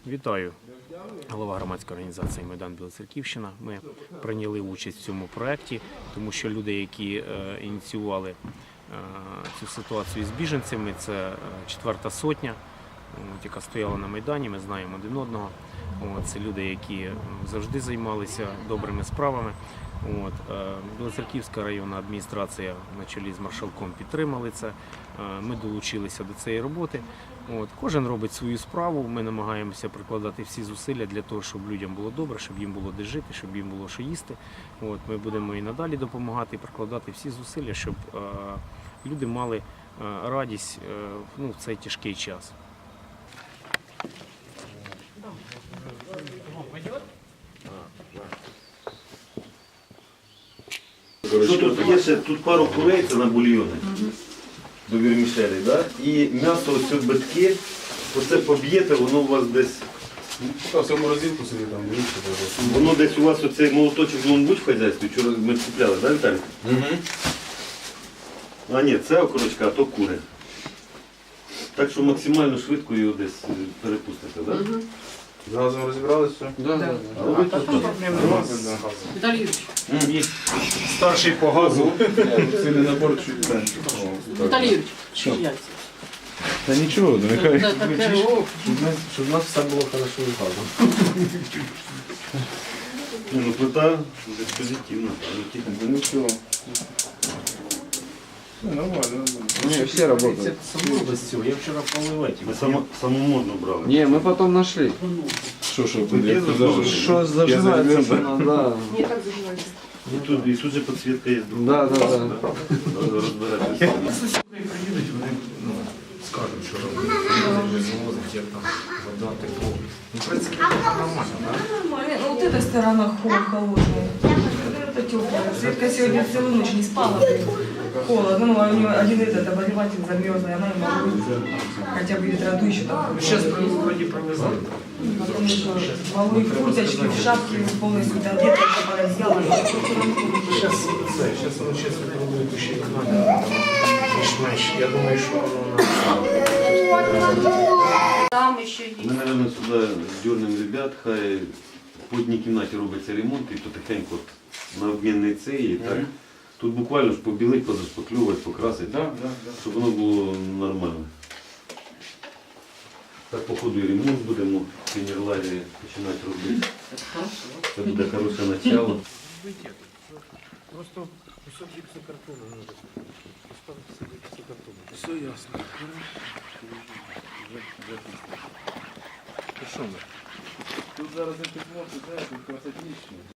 Вітаю, голова громадської організації «Майдан Білоцерківщина». Ми прийняли участь в цьому проєкті, тому що люди, які ініціювали цю ситуацію з біженцями, це 4-та сотня, яка стояла на Майдані, ми знаємо один одного. Це люди, які завжди займалися добрими справами. Білоцерківська районна адміністрація на чолі з маршалком підтримали це. Ми долучилися до цієї роботи. Кожен робить свою справу, ми намагаємося прикладати всі зусилля для того, щоб людям було добре, щоб їм було де жити, щоб їм було що їсти. Ми будемо і надалі допомагати, і прикладати всі зусилля, щоб люди мали радість в цей тяжкий час. Що тут є ще? Тут пару курей, це на бульйони до вірмішелі, да? І м'ясо, ось битки, оце поб'єте, воно у вас десь... Поки в морозилку собі там вийшли. Воно десь у вас оцей молоточок, він будь в хазяйстві, вчора ми купляли, так, Віталій? А ні, це окорочка, а то кури. Так що максимально швидко його десь перепустите, так? З газом розібралися все? Да. А ви тут Виталий Юрьевич. Старший по газу. Сильний набор чуть менше. Виталий Юрьевич. Яйця. Та нічого, нехай. Да, так, Щоб в нас все було хорошо з газом. ну, плита десь позитивна. Ну нічого. Нормально. Не, все работают. Я вчора поливати. Ми самомодно брали. Не, мы потом нашли. Що, Что зажигается? Да. І тут же підсвітка є. Да. Розбиратися. Приїдуть, вони скажуть, що робити, звозить, як там вода, тепло. В принципі, це нормально, так? Ну, вот эта сторона холодная. Это теплая. Светка сегодня целую ночь не спала. Холодно. Ну, а у нее один этот обогреватель замерзлый, она не могла хотя бы ветроду еще там. Зараз вроді привезли. Потому что полы в курточке, в шапке полностью одета, еще поразила. Зараз воно чесно пробує ще каналі. Більш-менш. Я думаю, що воно Там еще есть. Ми, мабуть, сюди дюрнемо ребят, хай по одній кімнаті робиться ремонт і потихеньку на обмінний цей. І так. Тут буквально ж побілить, позашпаклювати, покрасити, щоб воно було нормально. Так, по ходу і ремонт будемо в Фінерларі починати робити. Це буде хороше начало. просто кусок гіпсокартону треба поставити собі гіпсокартону. Все ясно. Що ми? Тут зараз не підмовити, тут красотнічно.